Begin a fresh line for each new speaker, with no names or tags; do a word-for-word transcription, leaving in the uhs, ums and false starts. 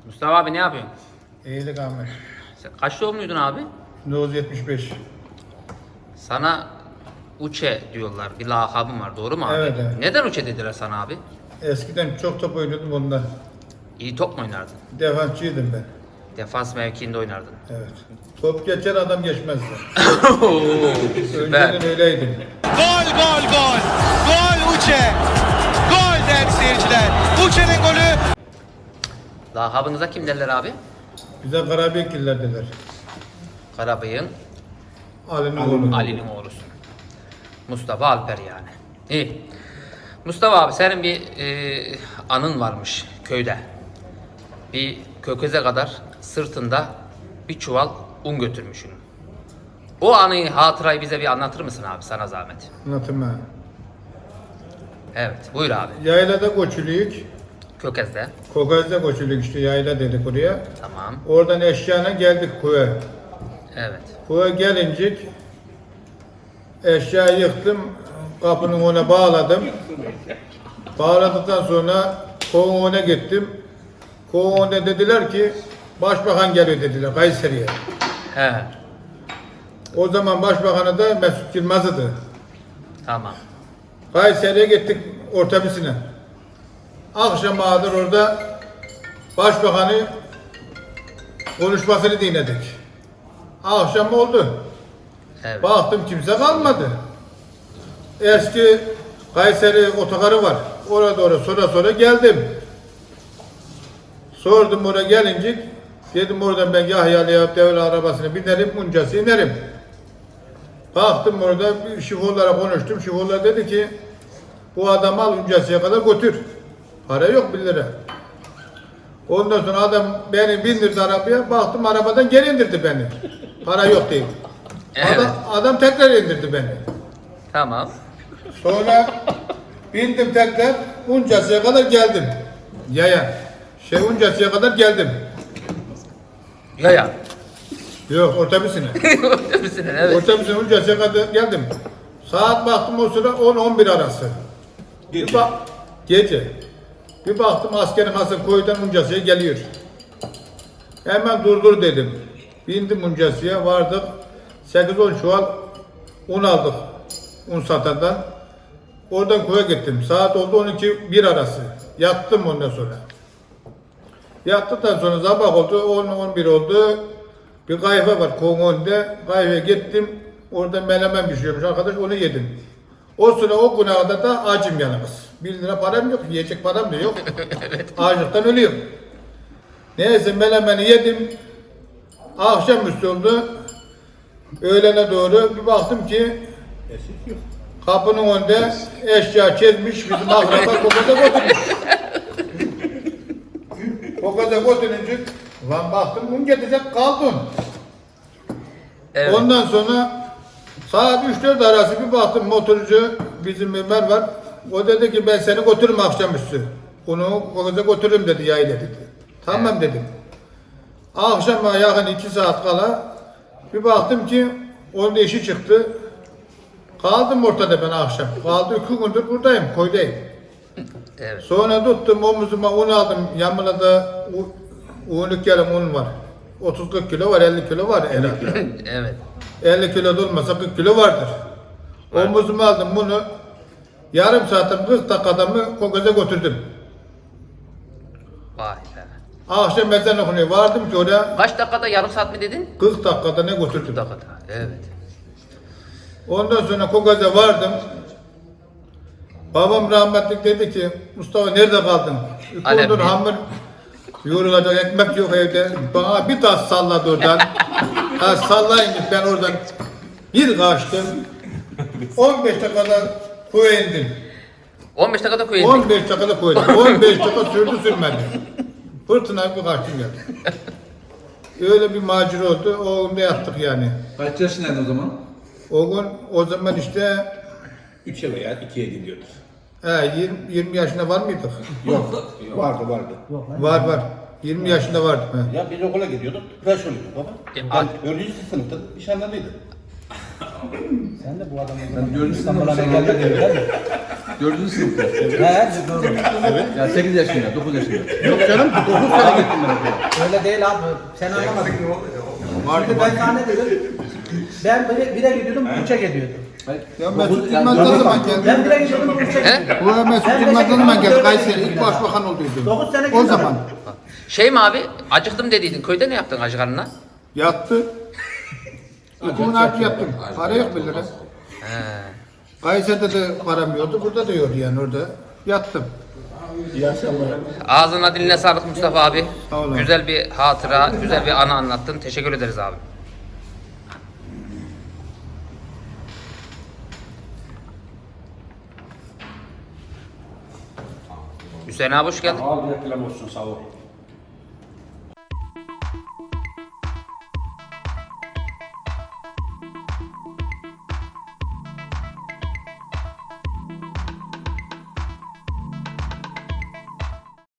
Mustafa abi ne yapıyorsun?
İyilik Ahmet.
Sen kaç doğumluydun abi?
bin dokuz yüz yetmiş beş.
Sana Uçe diyorlar. Bir lakabın var. Doğru mu abi?
Evet, evet.
Neden Uçe dediler sana abi?
Eskiden çok top oynuyordum ondan.
İyi top mu oynardın?
Defansçıydım ben.
Defans mevkiinde oynardın.
Evet. Top geçer adam geçmezdi.
Oo, süper.
Önceden öyleydim.
Gol gol gol. Gol Uçe. Gol değerli seyirciler. Uçe'nin golü.
Lakabınıza kim derler abi?
Bize Karabekirler dediler.
Karabıyık'ın
Ali'nin oğlu.
Ali'nin oğlusun. Mustafa Alper yani. İyi. Mustafa abi senin bir e, anın varmış köyde. Bir kökeze kadar sırtında bir çuval un götürmüşsün. O anıyı, hatırayı bize bir anlatır mısın abi, sana zahmet?
Anlatayım ben.
Evet, buyur abi.
Yaylada koçuluyuk.
Kökezde.
Kokaz'da koçuluyuk işte yayla dedik oraya.
Tamam.
Oradan eşyana geldik kuya.
Evet.
Kuya gelincik eşyayı yıktım. Kapının ona bağladım. Bağladıktan sonra kovun ona gittim. Kovun ona dediler ki başbakan geliyor dediler Kayseri'ye.
He.
O zaman başbakanı da Mesut Yılmaz'dı.
Tamam.
Kayseri'ye gittik otobüsüne. Akşam ağadır orada başbakanı konuşmasını dinledik. Akşam oldu.
Evet.
Baktım kimse kalmadı. Eski Kayseri otogarı var. Orada doğru sonra sonra geldim. Sordum oraya gelincik. Dedim oradan ben Yahyalı'ya devre arabasını binerim, Muncas'a inerim. Baktım orada bir şoförlere konuştum. Şoförler dedi ki bu adamı al Muncas'a kadar götür. Para yok bir lira. Ondan sonra adam beni bindirdi arabaya. Baktım arabadan geri indirdi beni. Para yok değil.
Evet.
Adam, adam tekrar indirdi beni.
Tamam.
Sonra bindim tekrar Uncası'ya kadar geldim. Yaya. Şey Uncası'ya kadar geldim.
Ya ya.
Yok otobüsüne.
Otobüsüne, evet.
Otobüsüne Uncası'ya kadar geldim. Saat baktım o sıra on on bir arası.
Gece.
Bir bak, gece. Bir baktım askerin Hasan koydan Uncası'ya geliyor. Hemen durdur dedim. Bindim Uncası'ya vardık. sekiz on çuval un aldık. Un satandan. Oradan koya gittim. Saat oldu on iki bir arası. Yattım ondan sonra. Yattıktan sonra sabah oldu. on on bir oldu. Bir kahve var Kongon'da. Kahveye gittim. Orada menemen pişiyormuş arkadaş. Onu yedim. O sıra o güne kadar da acım yalnız. Bir lira param yok. Yiyecek param da yok. Açlıktan ölüyorum. Neyse menemeni yedim. Akşamüstü oldu. Öğlene doğru bir baktım ki kapının önünde eşya çizmiş, bizim akraba kokaza götürmüş. Kokaza götürünce lan baktım bunu getirecek kaldım.
Evet.
Ondan sonra saat üç dört arası bir baktım motorcu bizim Ömer var. O dedi ki ben seni götürürüm akşamüstü. Onu kokaza götürürüm dedi yayla dedi. Tamam
Evet.
dedim. Akşama yakın iki saat kala bir baktım ki onun işi çıktı. Kaldım ortada ben akşam. Kaldı iki gündür buradayım, koydayım.
Evet.
Sonra tuttum omuzuma un aldım. Yanımda da unluk yarım un var. otuz kırk kilo var, elli kilo var herhalde.
Evet.
elli kilo da olmasa kırk kilo vardır. Omuzuma aldım bunu. Yarım saatim kırk dakikada mı kokaza götürdüm.
Vay be.
Akşam ezan okunuyor. Vardım ki oraya
Kaç dakikada, yarım saat mi dedin?
kırk dakikada ne götürdüm.
kırk dakikada. Evet.
Ondan sonra Kogaza vardım. Babam rahmetlik dedi ki Mustafa nerede kaldın?
Alemde.
Kondun hamur yoğrulacak ekmek yok evde. Bana bir tas salladı oradan. Tas sallayınca ben oradan bir kaçtım. on beş dakikada koya indim.
on beş dakikada koyun.
on beş dakikada koydum. on beş dakika sürdü sürmedi. Fırtına bir kaçtım geldim. Öyle bir macera oldu. O günde yattık yani.
Kaç yaşındaydın o zaman?
O gün o zaman işte
üçe veya ikiye gidiyordur.
he, yirmi, yirmi yaşında var mıydık?
Yok. Vardı vardı.
Var var. yirmi yaşında vardım. He.
Ya biz okula gidiyorduk, tıraş oluyorduk baba.
E,
Ben dördüncü sınıfta nişanlanıydım. Sen de bu adamın
Sen dördüncü
İstanbul'a
sınıfta
ne gelmedi değil mi?
Dördüncü sınıfta.
He, doğru.
Ya sekiz yaşında, dokuz yaşında.
Yok canım dokuz sene gittim ben okula.
Öyle değil abi. Sen anlamadın.
Vardı
Şimdi
vardı.
ben sana ne dedim? Ben bire, bire gidiyordum, üçe gidiyordum.
Ya Mesut Yılmaz ne zaman geldi?
Ben bire gidiyordum, üçe
He?
gidiyordum.
Bu Mesut
Ben
Yılmaz
beşe
ne zaman
gidiyordum,
geldi?
dörde
Kayseri
gidiyordum
ilk
ya.
başbakan olduydu.
Dokuz sene
O
gidiyordum.
zaman
Şey mi abi? Acıktım dediydin. Köyde ne yaptın acı karnına?
yattı. İki nakit yattım. Para yok bir lira.
He.
Kayseri'de de param yoktu. Burada da yoktu yani orada. Yattım.
Ağzına diline sağlık Mustafa abi.
Sağ ol abi.
Güzel bir hatıra, güzel bir anı anlattın. Teşekkür ederiz abi. Hüseyin abi hoş geldin.
Al bir reklam olsun sağ ol.